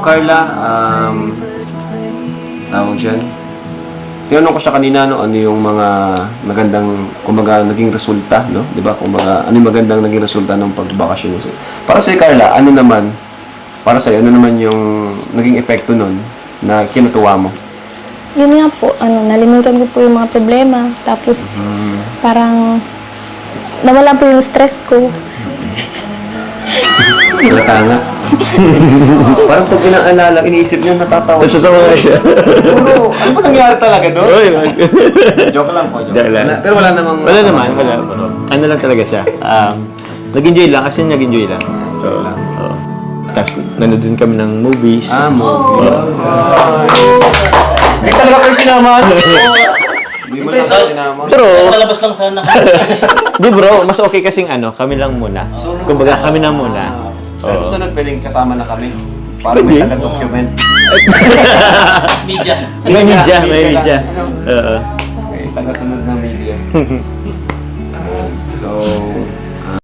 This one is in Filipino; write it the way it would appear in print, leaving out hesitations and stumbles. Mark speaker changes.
Speaker 1: Carla, tawag dyan. Tinanong ko siya kanina, no, ano yung mga magandang, kumbaga, naging resulta, no? Di ba? Kumbaga, ano yung magandang naging resulta ng pagbakasyon. So, para sa Carla, ano naman, para sa'yo, ano naman yung naging epekto nun na kinatuwa mo?
Speaker 2: Yun nga po, nalimutan ko po yung mga problema. Tapos, parang, nawala po yung stress ko.
Speaker 1: Halata nga. Parang pag inaalala, iniisip niyo, natatawa siya sa mga siya. Siguro, ano ba nangyari talaga doon? Joke lang po, joke. Pero wala namang...
Speaker 3: Wala naman, wala. Ano lang talaga siya. Nag-enjoy lang, kasi nag-enjoy lang. So, oo. Tapos, nanood din kami ng movies.
Speaker 1: Movie. Hindi talaga kayo sinamahan. Hindi mo lang kayo sinamahan.
Speaker 3: Pero,
Speaker 4: Palabas lang sana.
Speaker 3: di bro, mas okay kasing kami lang muna. Kumbaga, kami na muna.
Speaker 1: Sa susunod, pwedeng kasama na kami. Para may
Speaker 3: Pwede.
Speaker 1: taga-document.
Speaker 4: Media.
Speaker 3: May media. Oo.
Speaker 1: Okay, taga-sunod na media. So,